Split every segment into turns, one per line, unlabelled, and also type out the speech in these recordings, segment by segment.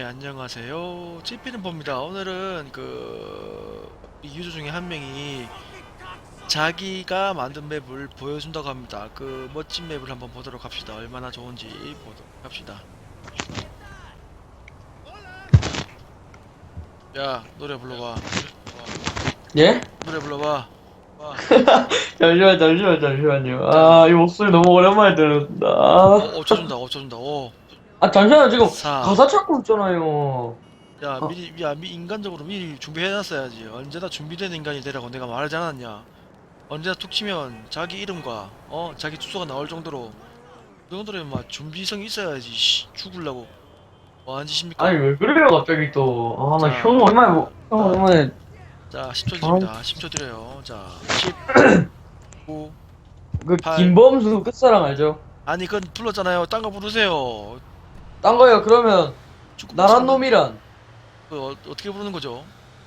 안녕하세요. 찌피는 봅니다. 오늘은 이 유저 중에 한 명이 자기가 만든 맵을 보여준다고 합니다. 그 멋진 맵을 한번 보도록 합시다. 얼마나 좋은지 보도록 합시다. 야, 노래 불러봐.
예?
노래 불러봐. 와.
잠시만요.
자,
이 목소리 너무 오랜만에 들었다.
쳐준다, 쳐준다. 오,
잠시만요. 지금
4.
가사 찾고 있잖아요.
야, 인간적으로 미리 준비해놨어야지. 언제나 준비된 인간이 되라고 내가 말하지 않았냐. 언제나 툭 치면 자기 이름과 자기 주소가 나올 정도로 그 정도면 막 준비성이 있어야지. 죽을라고 뭐 하는 짓입니까?
아니, 왜 그래요, 갑자기 또. 나
자,
형 오랜만에.
자 10초
아,
드립니다. 10초 드려요. 자 10, 9,
그,
8.
김범수 끝사랑 알죠?
아니 그건 불렀잖아요. 딴 거 부르세요.
딴 거요, 그러면,
축구
나란
부르시는
놈이란.
어떻게 부르는 거죠?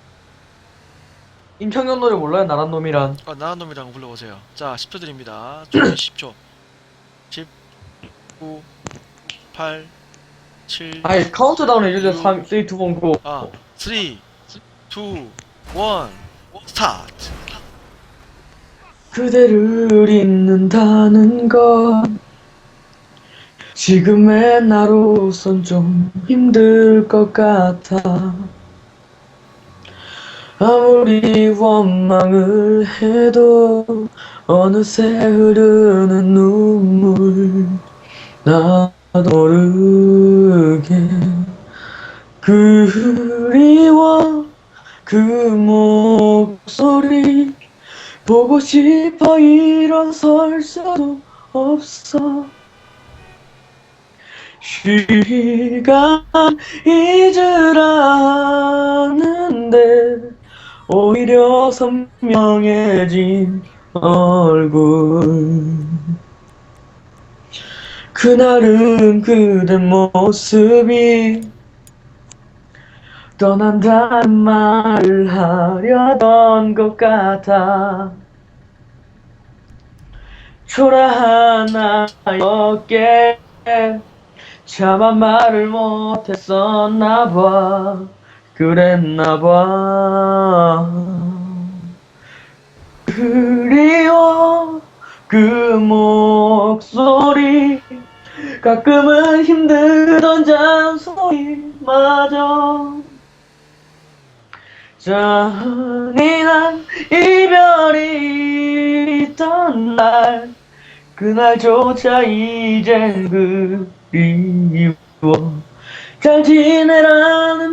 임창현 노래 몰라요, 나란 놈이란.
아 나한 놈이랑 불러보세요. 자 10초 드립니다. 준비 10초. 10, 9, 8, 7,
아니, 카운트다운 해주세요.
6.
3, 2, 1, 고.
3, 2, 1, 스타트.
그대를 잊는다는 건 지금의 나로선 좀 힘들 것 같아. 아무리 원망을 해도 어느새 흐르는 눈물 나도 모르게 그리워 그 목소리 보고 싶어 일어설 수도 없어 시간 잊으라는데 오히려 선명해진 얼굴 그날은 그대 모습이 떠난다는 말을 하려던 것 같아 초라한 나였기에 차마 말을 못했었나봐 그랬나봐 그리워 그 목소리 가끔은 힘들던 잔소리마저 잔인한 이별이 있던 날 그날조차 이젠 그리워 잘 지내라는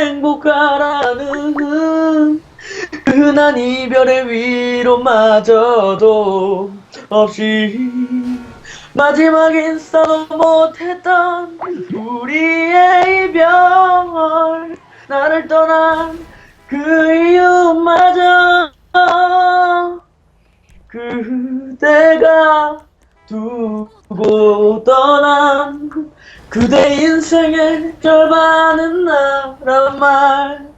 행복하라는 흔한 이별의 위로마저도 없이 마지막 인사도 못했던 우리의 이별 나를 떠난 그 이유마저 그대가 두고 떠난 그대 인생의 절반은 나란 말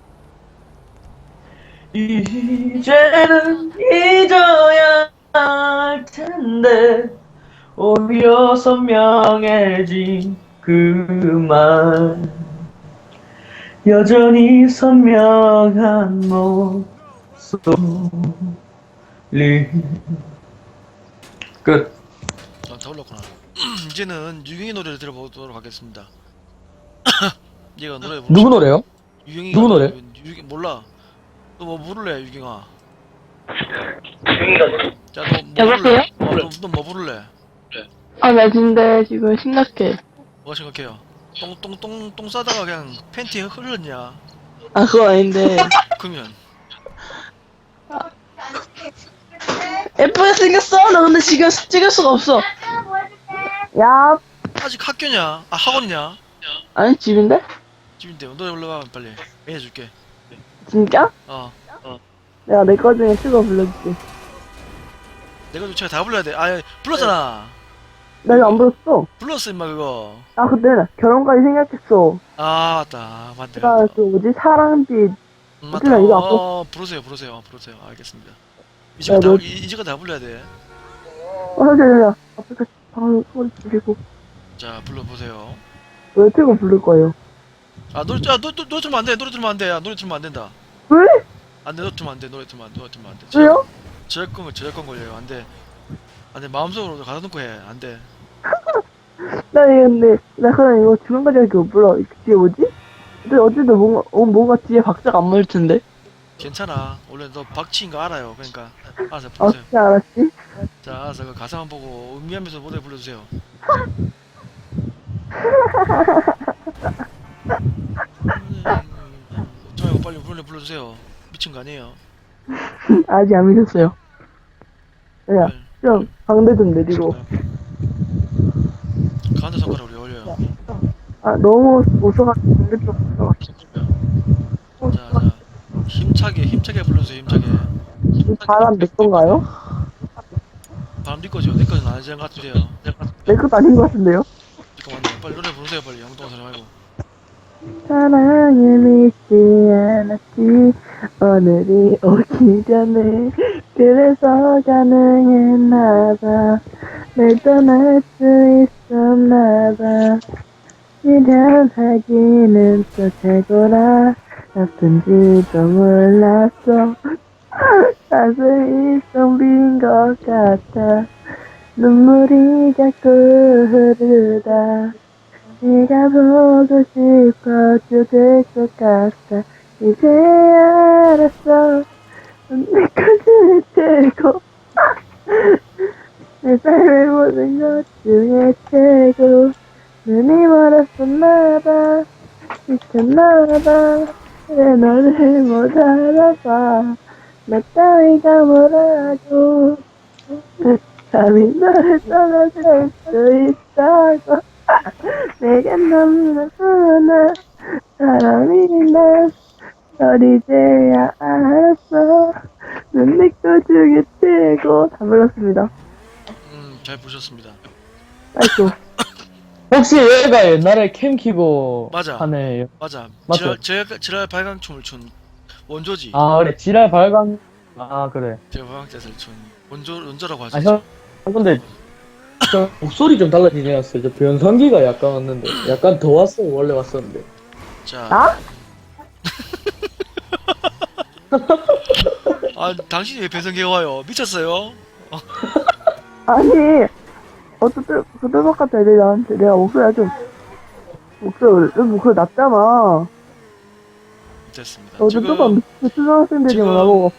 이제는 잊어야 할 텐데 오히려 선명해진 그 말 여전히 선명한 목소리 끝.
다 올랐구나. 이제는 유경이 노래를 들어보도록 하겠습니다. 얘가 노래 부르시.
누구 노래요?
유경이가
누구 노래?
유경 몰라. 너 뭐 부를래, 유경아? 자, 너 뭐
여보세요?
부를래? 너 뭐 부를래?
아, 나 근데 지금 심각해.
뭐가 생각해요? 똥 싸다가 그냥 팬티에 흘렀냐?
아, 그거 아닌데.
그러면
예쁘게 생겼어? 나 근데 지금 찍을 수가 없어. 야.
아직 학교냐? 아, 학원이냐?
아니, 집인데?
집인데 노래 불러봐 빨리. 해줄게.
진짜?
어.
내가 내 거 중에 추가 불러줄게.
내가 제가 다 불러야 돼. 아, 불렀잖아.
나 이거 안 불렀어.
불렀어 임마 그거.
아, 그때 결혼까지 생각했어.
아, 맞다. 맞네.
내가 그 뭐지, 사랑빛.
맞다.
어쩌나 이거 안
부르세요. 알겠습니다.
야, 너-
이제가 다 불러야 돼.
잠시만요. 앞에서 방금 소리 줄이고.
자, 불러보세요.
왜 틀고 부를 거예요?
아 노래 틀면 안돼 노래 틀면 안돼 야 노래 틀면 안 된다
왜?
안돼 노래 틀면 안돼 노래 틀면 안돼 노래 틀면 안돼
왜요?
저작권 걸려요 안돼 안돼 마음속으로 가다놓고 해 안돼
나 근데 나 그냥 이거 중간까지 할게 못 불러. 이게 뒤에 뭐지? 근데 어쨌든 뭔가 뒤에 박자가 안 맞을 텐데.
괜찮아 원래 너 박치인 거 알아요 그러니까 알아서
아,
부르세요
진짜 알았지?
자 알아서 그 가사만 보고 음미하면서 노래 불러주세요 저 이거 빨리 노래 불러주세요 미친 거 아니에요
아직 안 믿었어요. 야,
빨리.
좀 방대 좀 내리고.
가운데 손가락으로 올려요
아, 너무 웃어가지고 방대 좀 웃어가지고.
자자 힘차게 불러주세요 힘차게
이 바람 내 건가요?
바람 네 거죠 내 거는 아니지 것 같으세요
내 것도 아닌 것 같은데요?
잠깐만요 빨리 노래 부르세요 빨리 엉뚱한 소리 말고
사랑에 믿지 않았지 오늘이 오기 전에 그래서 가능했나봐 날 떠날 수 있었나봐 미련하기는 또 최고라 아픈지도 몰랐어 가슴이 텅 빈 것 같아 눈물이 자꾸 흐르다 네가 보고 싶어 죽을 것 같아 이제 알았어 내 것을 최고 내 삶의 모든 것 중에 최고 눈이 멀었었나봐 미쳤나봐 왜 너를 못 알아봐 나 따위가 뭐라고 감히 너를 떠나줄 수 있다고 내게 너무나 순한 사람이 난 널 이제야 알았어 넌 내 것 중에 최고 다 불렀습니다.
잘 부르셨습니다
아이고
혹시 얘가 옛날에 캠 키고
맞아.
하네.
맞아
맞죠?
지랄 발광춤을 춘 원조지
아 그래 지랄 발광. 아 그래.
지랄 발광뜻을 춘 원조라고 할 수
아
있죠
형 근데 저 목소리 좀 달라지지 않았어요? 저 변성기가 약간 왔는데 약간 더 왔어요. 원래 왔었는데.
자
나?
아 당신이 왜 배성기가 와요 미쳤어요
아니 어쨌든 그 뚜벅 같은 애들이 나한테 내가 목소리가 좀 목소리 낮잖아.
됐습니다
어제 뚜벅 초등학생들이
지금-
나보고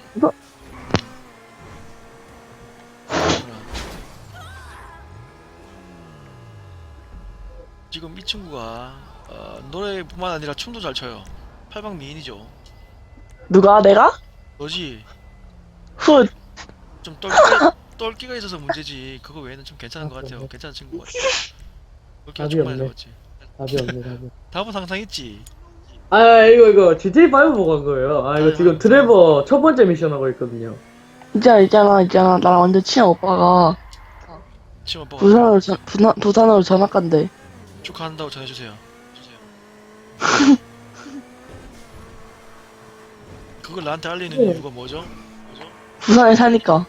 지금 이 친구가 노래뿐만 아니라 춤도 잘 춰요 팔방 미인이죠
누가 내가?
너지
훗
좀 똘끼가 있어서 문제지 그거 외에는 좀 괜찮은 것 같아요 괜찮은 친구 같아 똘끼가
답이
좀 많이
없네.
잡았지
답이 없네 답이.
답은 항상 있지
아 이거 GTA 5 보고 한 거예요. 아 이거 지금 트레버 첫 번째 미션 하고 있거든요.
있잖아 나랑 완전 친한 오빠가
치마 오빠가
부산으로 전학 간대.
축하한다고 전해주세요 그걸 나한테 알리는 이유가 뭐죠?
부산에 사니까.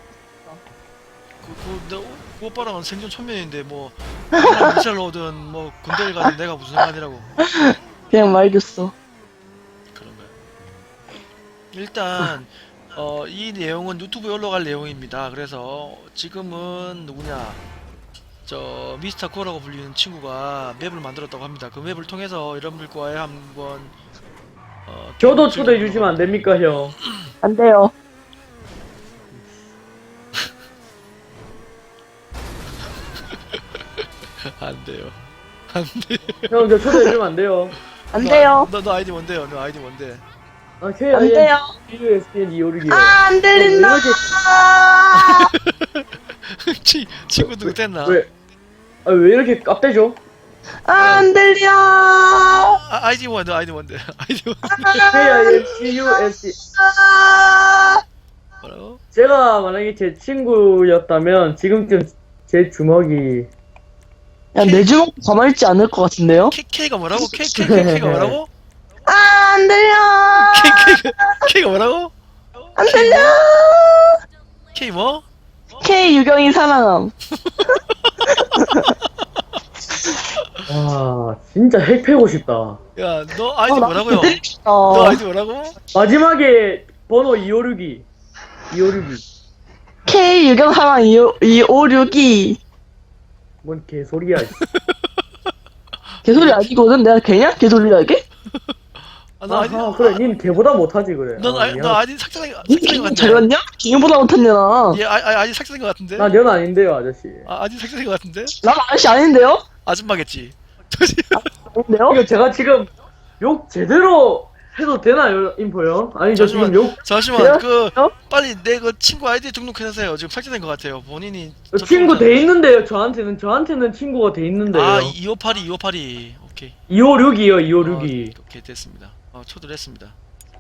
그 오빠랑은 생존 천면인데 뭐 미사를 오든 뭐 군대를 가든 내가 무슨 상관이라고
그냥 말줬어.
그런 거야. 일단 이 내용은 유튜브에 올라갈 내용입니다. 그래서 지금은 누구냐 저 미스터 코라고 불리는 친구가 맵을 만들었다고 합니다. 그 맵을 통해서 여러분들과의 한번
저도 초대해 주시면 안 됩니까 형?
안 돼요.
안 돼요. 안 돼.
형 저 초대해 주면 안 돼요.
안 돼요.
너 아이디 뭔데요? 너 아이디 뭔데?
아
안
KIN
돼요.
USN 256이요.
안 들린다.
친구들 됐나?
왜 이렇게 깝대죠?
안 들려.
아이디 뭔데? 아이디 뭔데? 아이디 뭔데?
KINCUSN.
뭐라고?
제가 만약에 제 친구였다면 지금쯤 제 주먹이
야, 내 주먹 가만히 있지 않을 것 같은데요?
K가 뭐라고? K가 뭐라고?
안 들려.
K가 뭐라고?
안 들려.
K 뭐?
K 유경이 사랑함.
와, 진짜 핵 패고 싶다.
야, 너 아이디
나
뭐라고요?
때리고 싶다.
너 아이디 뭐라고?
마지막에 번호 2562. 2562.
K 유경사랑 2562.
뭔 개소리야. 씨.
개소리 아니거든? 내가 개냐? 개소리야 이게?
아, 너 아이디,
아하, 그래, 닌 걔보다 못하지, 그래.
너
아, 미안.
아이디 삭제된 거
니
같은데?
잘 봤냐? 개보다 못했냐 나.
얘 아이디 삭제된 거 같은데?
나년 아닌데요, 아저씨.
아이디 삭제된 거 같은데?
난 아저씨 아닌데요?
아줌마겠지.
아닌데요?
이거 제가 지금 욕 제대로 해도 되나요, 인포요? 아니, 저 지금 욕,
잠시만, 그,
어?
빨리 내 그 친구 아이디 등록해주세요. 지금 삭제된 거 같아요. 본인이.
친구 돼 있는데요, 저한테는 친구가 돼 있는데요.
아, 2582. 오케이.
2562요, 2562.
오케이, 됐습니다. 초대를 했습니다.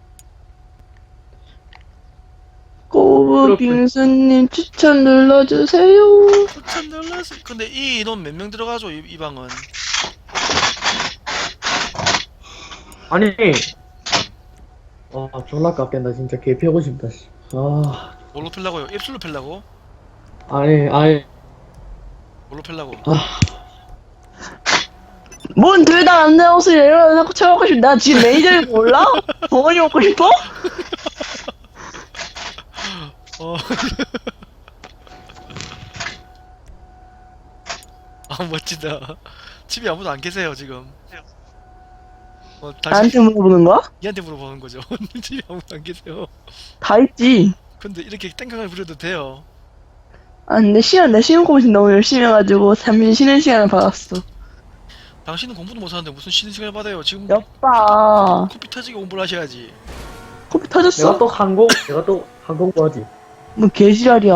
꼬부 빙수님 추천 눌러주세요.
추천 눌렀어. 근데 이 인원 몇 명 들어가죠, 이 방은?
아니, 졸라 깎겠다, 진짜 개 패고 싶다, 씨. 아,
뭘로 펠라고요? 입술로 펠라고?
아니,
뭘로 펠라고?
뭔 둘 다 안 나오세요? 이러고 쳐먹고 싶어. 나 지금 매니저인 거 몰라? 벙어리 먹고 싶어?
어. 아, 멋지다. 집에 아무도 안 계세요, 지금.
나한테 물어보는 거야?
얘한테 물어보는 거죠. 집에 아무도 안 계세요.
다 있지.
근데 이렇게 땡깡을 부려도 돼요.
아, 근데 내 시험 공식 너무 열심히 해가지고 잠시 쉬는 시간을 받았어.
당신은 공부도 못하는데 무슨 쉬는 시간을 받아요? 지금
여빠.
코피 터지게 공부를 하셔야지.
코피 터졌어?
내가 또 항공부 하지.
뭐 개지랄이야.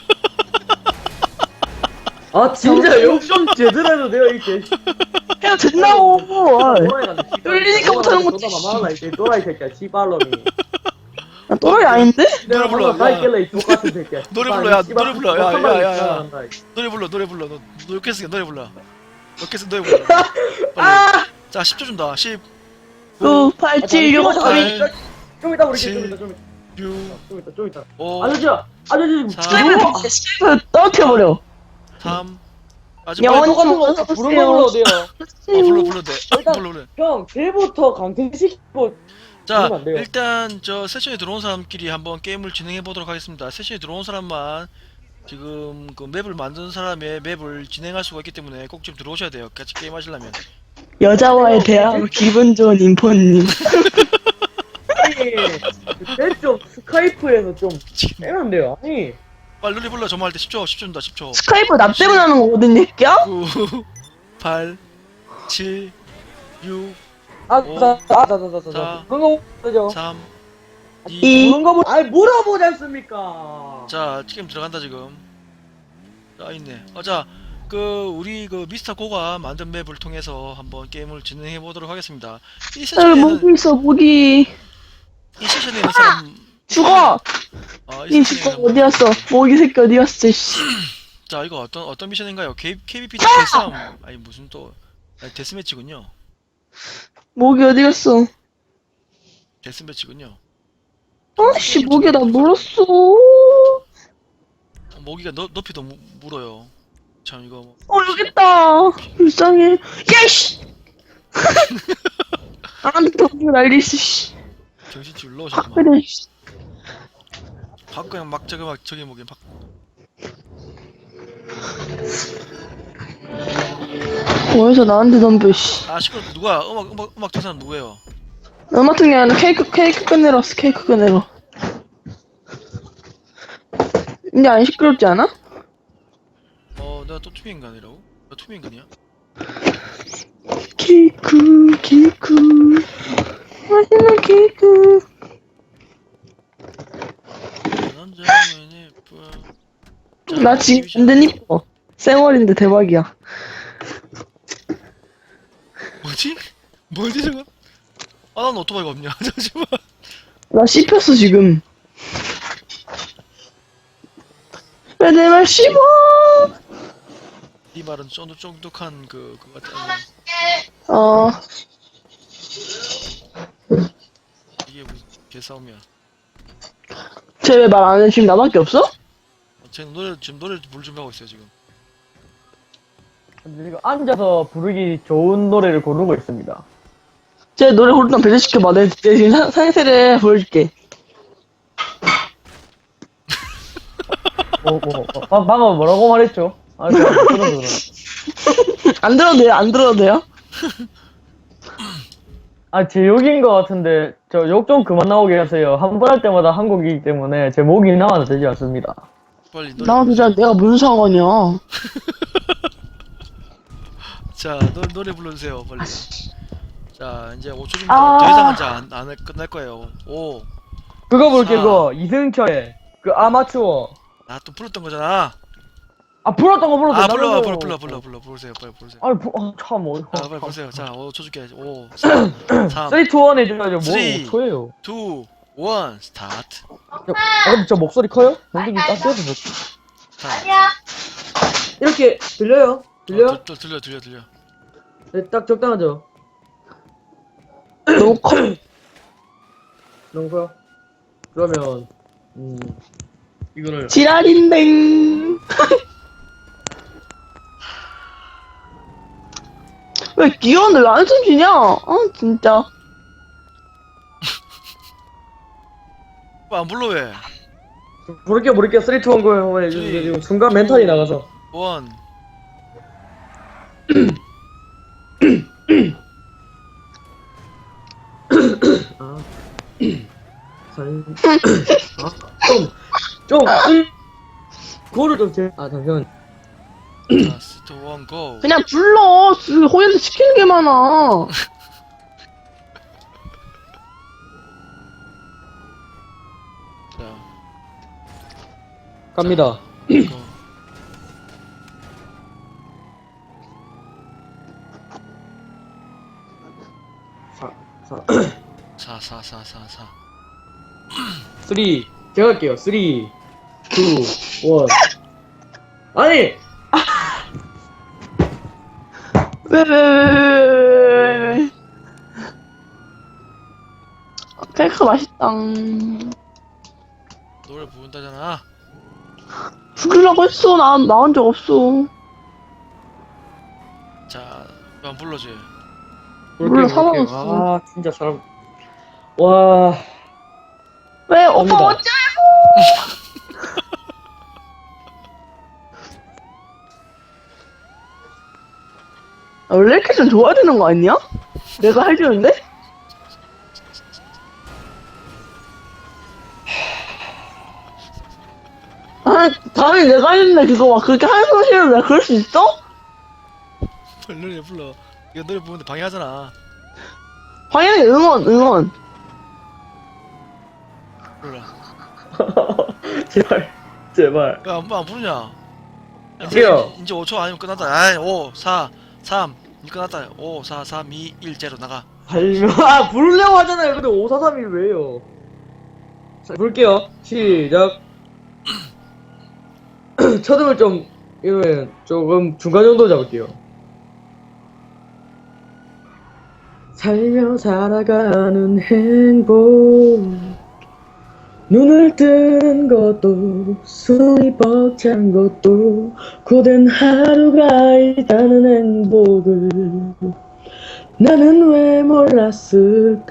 아, 진짜 욕 좀 제대로 해도 돼요, 이 개.
해도 된다고. 뚫리니까 못하는 거지.
너나 이 또라이 새끼야, 씨발놈이.
나 또라이 아닌데?
노래 불러,
다
야.
있길래 이 똑같은 새끼야.
노래
씨발,
불러, 야,
씨발,
노래 불러, 야,
못한
야, 야,
말이
야.
있잖아, 이.
노래 불러. 너 욕했으니까 노래 불러. 욕했으니까 노래 불러. 빨리.
아!
자, 10초 준다. 10,
9, 8, 7, 6, 5, 4, 2.
좀 이따 우리
칠,
좀 이따
6,
좀 이따
5,
아저씨
사,
스텝을 떨어뜨려버려.
3. 아주
영원히
빨리.
똑같은 거 부른 거 불러도 돼요.
불러 돼.
일단-
불러.
형 쟤부터 강퇴시키고
자,
그러면 안 돼요.
일단 저 세션에 들어온 사람끼리 한번 게임을 진행해 보도록 하겠습니다. 세션에 들어온 사람만 지금 그 맵을 만드는 사람의 맵을 진행할 수가 있기 때문에 꼭 좀 들어오셔야 돼요. 같이 게임 하시려면.
여자와의 대화 기분 좋은 인포님.
아니 좀 스카이프에서 좀 빼면 돼요. 아니
빨리 노래 불러. 점화할 때 10초 준다. 10초.
스카이프 나 때문에 하는 거거든, 새끼야?
9, 8, 7, 6,
자
자.
그런 거 보죠.
3, 2.
이.
그런 거 보. 아니 물어보지 않습니까?
자, 지금 들어간다 지금. 자, 있네. 자, 우리 미스터 고가 만든 맵을 통해서 한번 게임을 진행해 보도록 하겠습니다. 이
여기
세션에는
모기 있어, 모기.
이 세션에 있는 사람
죽어!
이
님
세션에
죽어,
있는
어디 갔어? 모기 새끼 어디 갔어, 씨.
자, 이거 어떤 미션인가요? KBP 데스싸움. 아니 무슨 또 데스매치군요.
모기 어디 갔어?
데스매치군요.
아씨, 모기 나 물었어.
모기가 높이 더 물어요. 참 이거 뭐.
여기 있다. 불쌍해. 야이씨! 나한테 더 난리 있어, 씨.
정신줄
아,
올라오셨구만.
그래, 씨.
박 그냥 저기 모기 박.
어디서 나한테 덤벼, 씨.
시끄러. 누가 음악 듣는 사람 누구예요?
음악 같은 게 아니라 케이크 꺼내러 왔어, 케이크 꺼내러. 근데 안 시끄럽지 않아?
내가 또 투명인간이라고? 나 투명인간이야?
케이크, 맛있는 케이크.
남자는 예뻐. 자,
나 지금 완전 이뻐. 쌩얼인데 대박이야.
뭐지 저거? 난 오토바이가 없냐? 잠시만.
나 씹혔어, 지금. 왜 내 말 씹어?
네 말은 쫀득쫀득한 그거 같아. 이게 무슨 개싸움이야.
쟤 왜 말 안 해? 지금 나밖에 없어?
쟤는 지금 노래 부를 준비하고 있어요 지금.
지금 앉아서 부르기 좋은 노래를 고르고 있습니다.
제 노래 고르던 배제시켜봐. 내가 지금 상세를 보여줄게.
방금 뭐라고 말했죠? 아, 제가 못 들어서 그러나.
안 들어도 돼요? 안 들어도 돼요?
아, 제 욕인 것 같은데, 저 욕 좀 그만 나오게 하세요. 한 번 할 때마다 한 곡이기 때문에 제 목이 나와도 되지 않습니다.
빨리 노래
나도
부르세요.
자 내가 무슨 상관이야.
자, 노래 불러주세요, 빨리. 자, 이제 5초입니다.
아.
더 이상은 이제 안 끝날 거예요. 5.
그거 볼게,
자.
그거. 이승철의 그 아마추어.
나 또 불렀던 거잖아.
아, 불렀던 거 불렀어.
아, 부르세요, 빨리 부르세요.
아니, 참,
자, 빨리 부르세요. 자, 5초 줄게. 5, 4, 3,
3, 2, 1 해줘야죠. 뭐,
쓰리.
5초예요.
2, 1, 스타트.
근데 저 목소리 커요? 형님이 딱 떼서
자,
이렇게 들려요? 들려요?
들려.
네, 딱 적당하죠?
너무 커.
너무 커요? 그러면, 이거를.
지랄인댕. 왜 귀여운데 왜 안숨 쉬냐? 진짜.
안 불러 왜?
부를게요. 3, 2, 1 거예요.
쓰리,
지금 순간 멘탈이 나가서.
1.
아. 좀, 그거를 좀 잠시만.
자, 스트 1, 고.
그냥 불러. 호연도 시키는 게 많아.
자,
갑니다.
고.
사,
4.
3, 제가 할게요. 3, 2, 1. 아니!
왜. 케이크 맛있다.
노래 부른다잖아.
부르려고 했어. 나온 적 없어.
자, 안 불러줘.
몰라, 사랑했어.
아, 진짜 사람. 와,
왜? 오빠
갑니다.
어째? 원래 이렇게 좀 좋아야 되는 거 아니야? 내가 해주는데? 다음에 내가 했는데 그거 막 그렇게 하는 소리를 내가 그럴 수 있어?
노래 불러. 이거 노래 부르는데 방해하잖아.
당연히 응원.
불러라.
제발.
왜 안 부르냐?
할게요.
이제 5초 아니면 끝났다. 아이, 5, 4, 3. 이 끝났다. 5, 4, 3, 2, 1, 0 나가.
부르려고 하잖아요. 근데 5, 4, 3이 왜요? 자, 볼게요. 시작. 첫음을 좀, 이러면 조금 중간 정도 잡을게요. 살며 살아가는 행복. 눈을 뜨는 것도 숨이 벅찬 것도 고된 하루가 있다는 행복을 나는 왜 몰랐을까.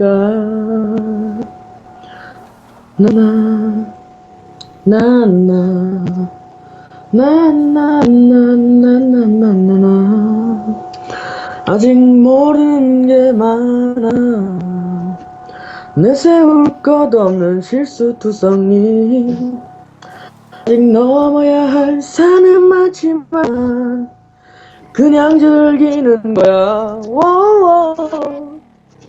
나나나나나나나나나나나나 아직 모르는 게 많아. 내세울 것 없는 실수투성이 아직 넘어야 할 산은 많지만 그냥 즐기는 거야. 워워.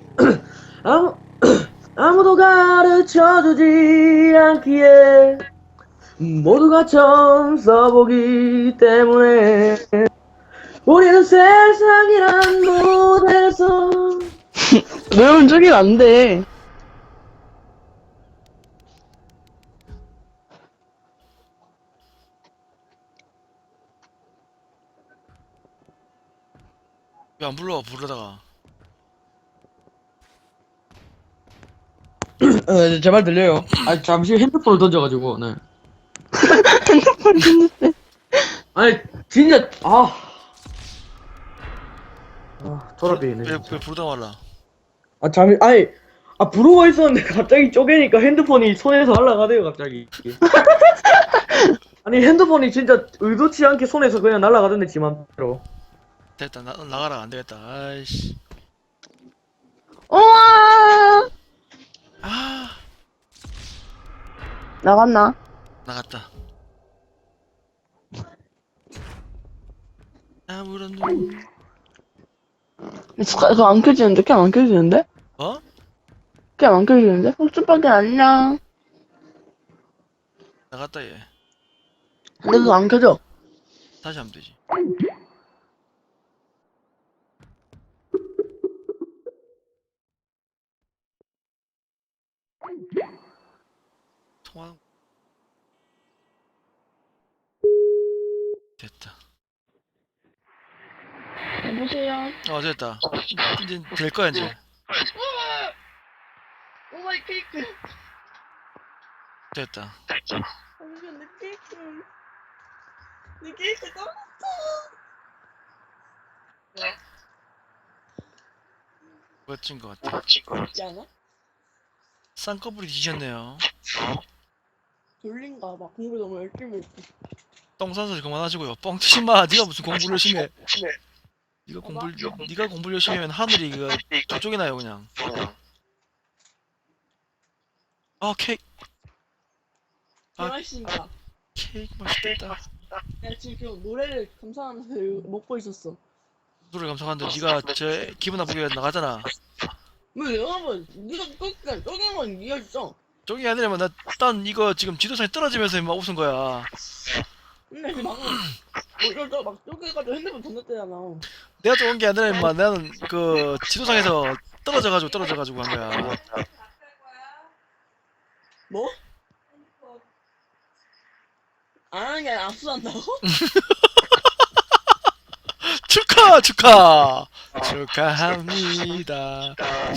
아무도 가르쳐주지 않기에 모두가 처음 써보기 때문에 우리는 세상이란 무대에서
외우면 저긴 안 돼.
왜 안 불러? 부르다가.
제 말 들려요? 아, 잠시 핸드폰을 던져가지고, 네.
핸드폰 듣는데.
아니, 진짜, 아, 졸업이네.
왜 부르다 말라.
아, 잠이, 아니, 아, 부르고 있었는데 갑자기 쪼개니까 핸드폰이 손에서 날아가대요, 갑자기. 아니, 핸드폰이 진짜 의도치 않게 손에서 그냥 날아가던데, 지 맘대로.
됐다, 나가라. 안 되겠다. 아이씨.
우와!
아,
나갔나?
나갔다. 아무런 눈.
그거 안 켜지는데? 캠 안 켜지는데?
어?
캠 안 켜지는데? 흑주밖에 안녕.
나갔다 얘.
근데 그거 안 켜져.
다시 하면 되지. 통화. 됐다.
여보세요?
됐다. 이제 될 거야 이제.
오마이 케이크.
됐다.
잠시만, 내 케이크. 내 케이크 떨어졌어.
멋진 것 같아.
있지 않아?
쌍꺼풀이 뒤졌네요.
졸린가 봐. 공부 너무 열심히 했어.
똥 싸는 소리 그만하시고요. 뻥치지 마. 네가 무슨 공부를 열심히 해. 네가 공부를 열심히 하면 하늘이 이거 저쪽에 나요 그냥. 아 케이크. 아.
맛있습니다.
케이크 맛있겠다.
내가 지금 노래를 감상하면서 이거 먹고 있었어.
노래 감상하는데 네가 저 기분 나쁘게 나가잖아.
왜 여러분, 네가 끝까지 쪼갠 건 네가 있어.
저기 아니라면 나딴 이거 지금 지도상에 떨어지면서 막 웃은 거야.
근데 그 방금 이거 막 쪼개가지고 핸드폰 던졌대잖아.
내가 좋은 게 아니라 임마 나는 그 지도상에서 떨어져가지고 한 거야.
뭐? 안 하는 게 아니라 압수한다고?
축하합니다.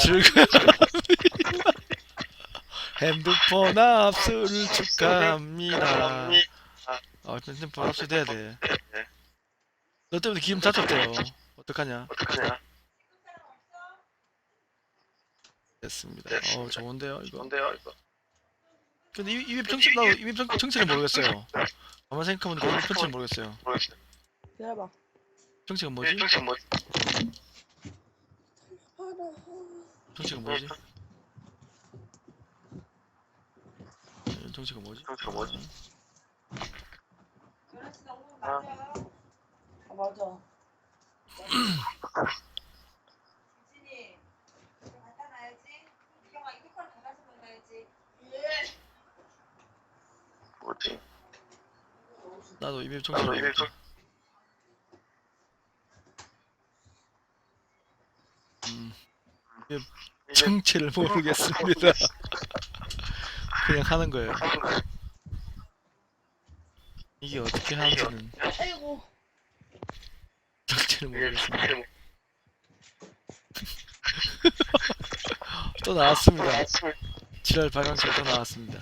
핸드폰 압수를 축하합니다. 핸드폰 압수돼야 돼. 너 때문에 기름 다쳤대요. 어떡하냐? 됐습니다. 좋은데요, 이거. 근데 이맵 정체 나도 이맵 정체를 모르겠어요. 가만 생각해보니까 이맵 정체를 모르겠어요.
기다려봐.
정체가 뭐지? 정체가 뭐지? 정체가 뭐지?
아, 맞아.
유진이, 이거 갖다 놔야지. 이경아, 이거 걸 닫아서 넣어야지.
나도 이맵 정체를 모르겠다. 이맵 정체를 모르겠습니다. 그냥 하는 거예요. 이게 어떻게 하는지는
아이고.
정체를 모르겠습니다. 또 나왔습니다. 지랄 발광체 또 나왔습니다.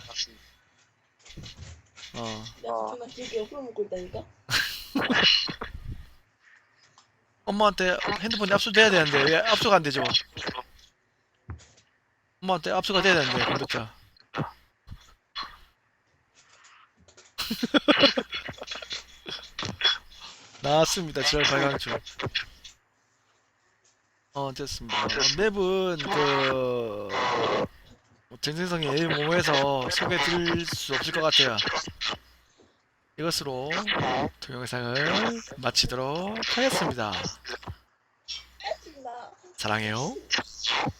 내가 존나 길게 옆으로 먹고 있다니까?
엄마한테 핸드폰이 압수돼야 되는데 왜 압수가 안 되죠? 엄마한테 압수가 돼야 되는데 컴퓨터. 나왔습니다. 지랄 발광초. 됐습니다. 맵은 전생성이 A모모에서 소개해드릴 수 없을 것 같아요. 이것으로 동영상을 마치도록 하겠습니다. 사랑해요.